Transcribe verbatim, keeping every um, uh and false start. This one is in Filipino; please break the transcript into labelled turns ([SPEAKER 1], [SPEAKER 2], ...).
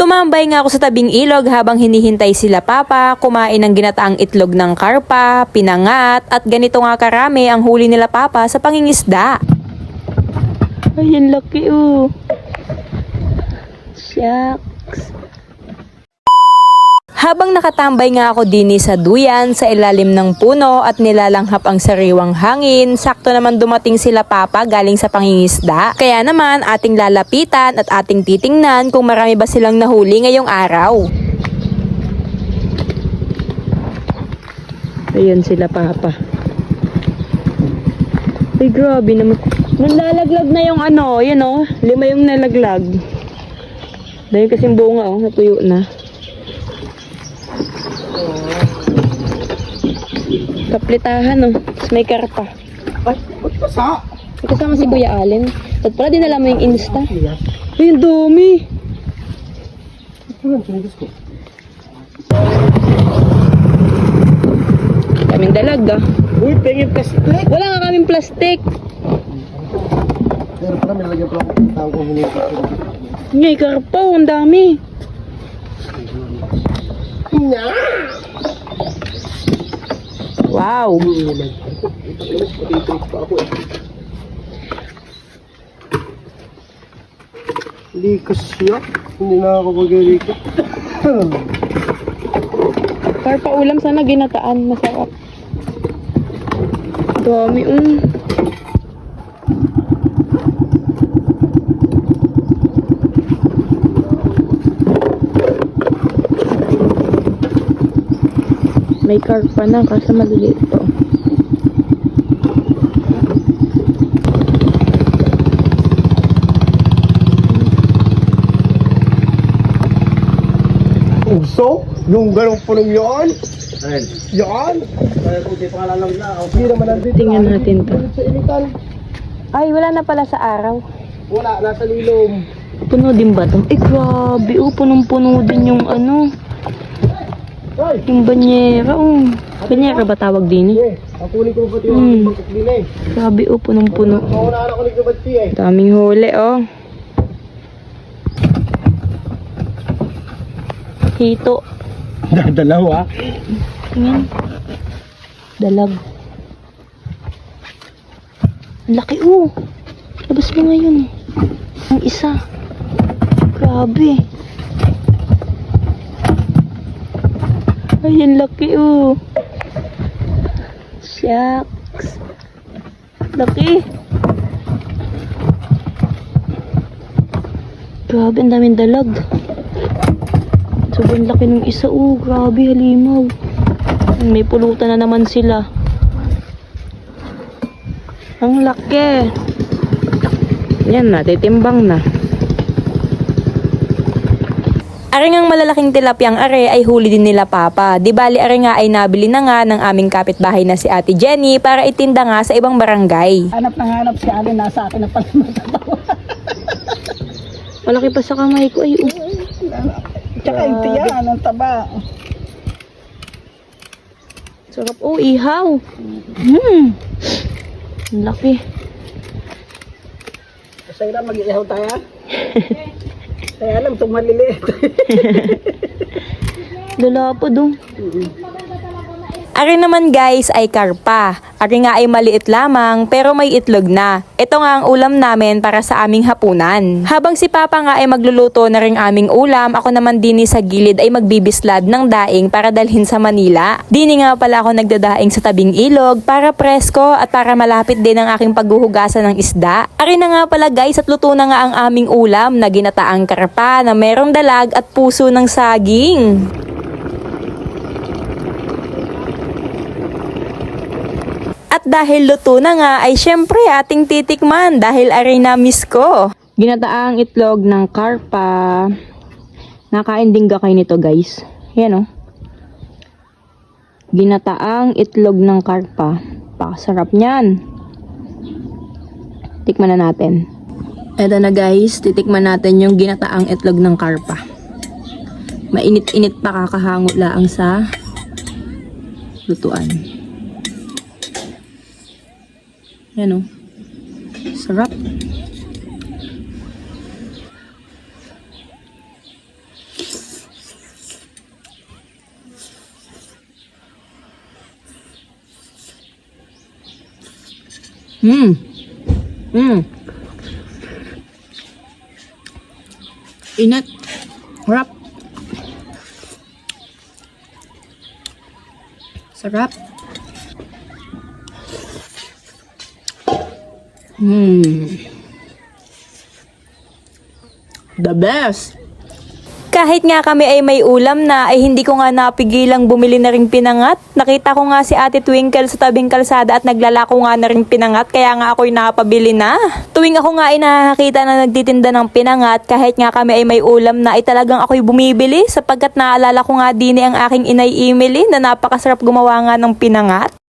[SPEAKER 1] Tumambay nga ako sa tabing ilog habang hinihintay sila papa, kumain ng ginataang itlog ng karpa, pinangat, at ganito nga karami ang huli nila papa sa pangingisda. Ay, ang laki oh. Shucks. Habang nakatambay nga ako din sa duyan sa ilalim ng puno at nilalanghap ang sariwang hangin, sakto naman dumating sila papa galing sa pangingisda. Kaya naman ating lalapitan at ating titingnan kung marami ba silang nahuli ngayong araw. Ayun sila papa. Ay grabe naman. Nalalaglag na yung ano, yun oh. Lima yung nalaglag. Dahil kasing bunga oh, natuyo na. Kaplitahan oh. Tapos may karpa.
[SPEAKER 2] Ay, ba't pasa?
[SPEAKER 1] Kasama si Kuya Allen. At pala dinala mo yung Insta. Ay, ang dumi. Kaming dalag ah.
[SPEAKER 2] Uy, pengin plastic.
[SPEAKER 1] Wala nga kaming plastic.
[SPEAKER 2] Pero pala, may nalagyan pala akong tawag kong hinipit.
[SPEAKER 1] Ngay, karpa oh. Ang dami. Wow.
[SPEAKER 2] Likas siya. Hindi na ako mag-likas.
[SPEAKER 1] Karpa ulam sana ginataan. Masarap. Dami um. May karpa na kasi maliliit to.
[SPEAKER 2] Uso? Yung galong punong yun? Yan? Hindi naman nandito.
[SPEAKER 1] Tingnan natin to.
[SPEAKER 2] Sa initan.
[SPEAKER 1] Ay, wala na pala sa araw.
[SPEAKER 2] Wala, nasa lilom.
[SPEAKER 1] Puno din ba to? Eh, grabe. Oh, punong-puno din yung ano.
[SPEAKER 2] Ay!
[SPEAKER 1] Yung banyera. Oh. Banyera ba tawag din eh?
[SPEAKER 2] Eh, ang kunin ko ba ito
[SPEAKER 1] Hmm.
[SPEAKER 2] yung bangkok din eh.
[SPEAKER 1] Grabe oh, punong-puno.
[SPEAKER 2] Maunaan ako nagkabad siya eh.
[SPEAKER 1] Daming huli oh. Hito.
[SPEAKER 2] Dadalawa.
[SPEAKER 1] Tingin. Dalag. Ang laki oh. Labas mo ngayon. Ang isa. Grabe. Ay, ang laki oh. Shucks. Laki. Grabe, ang daming dalag. Sobrang laki ng isa oh. Grabe, halimaw. May pulutan na naman sila. Ang laki. Yan na, titimbang na. Ari ngang malalaking tilapyang are ay huli din nila papa. Di bali ari nga ay nabili na nga ng aming kapitbahay na si Ate Jenny para itinda nga sa ibang barangay.
[SPEAKER 3] Hanap na hanap si Alin, nasa akin na pala matatawa.
[SPEAKER 1] Malaki pa sa kamay ko ay oh.
[SPEAKER 3] Tsaka yung tiyan, ang taba.
[SPEAKER 1] Sarap oh, ihaw. Hmm. Ang laki.
[SPEAKER 3] Kasi na mag-ihaw tayo. Kaya alam, itong maliliit.
[SPEAKER 1] Lala pa dong. Ari naman guys ay karpa. Ari nga ay maliit lamang pero may itlog na. Ito nga ang ulam namin para sa aming hapunan. Habang si Papa nga ay magluluto na ring aming ulam, ako naman din sa gilid ay magbibislad ng daing para dalhin sa Manila. Dini nga pala ako nagdadaing sa tabing ilog para presko at para malapit din ang aking paghuhugasan ng isda. Ari na nga pala guys at luto na nga ang aming ulam na ginataang karpa na merong dalag at puso ng saging. At dahil luto na nga ay syempre ating titikman dahil aray na miss ko. Ginataang itlog ng karpa. Nakain din ka kayo nito guys. Yan o. Oh. Ginataang itlog ng karpa. Pakasarap niyan. Tikman na natin. Eto na guys, titikman natin yung ginataang itlog ng karpa. Mainit-init pa, kakahango laang sa lutuan. Yan o. Sarap. Hmm. Hmm. Init. Sarap. Sarap. Hmm. The best. Kahit nga kami ay may ulam na, ay hindi ko nga napigilang bumili na ring pinangat. Nakita ko nga si Ate Twinkle sa tabing kalsada at naglalako nga na ring pinangat, kaya nga ako'y nakapabili na. Tuwing ako nga ay nakakita na nagtitinda ng pinangat, kahit nga kami ay may ulam na, ay talagang ako'y bumibili sapagkat naalala ko nga din ang aking inay Emily na napakasarap gumawa nga ng pinangat.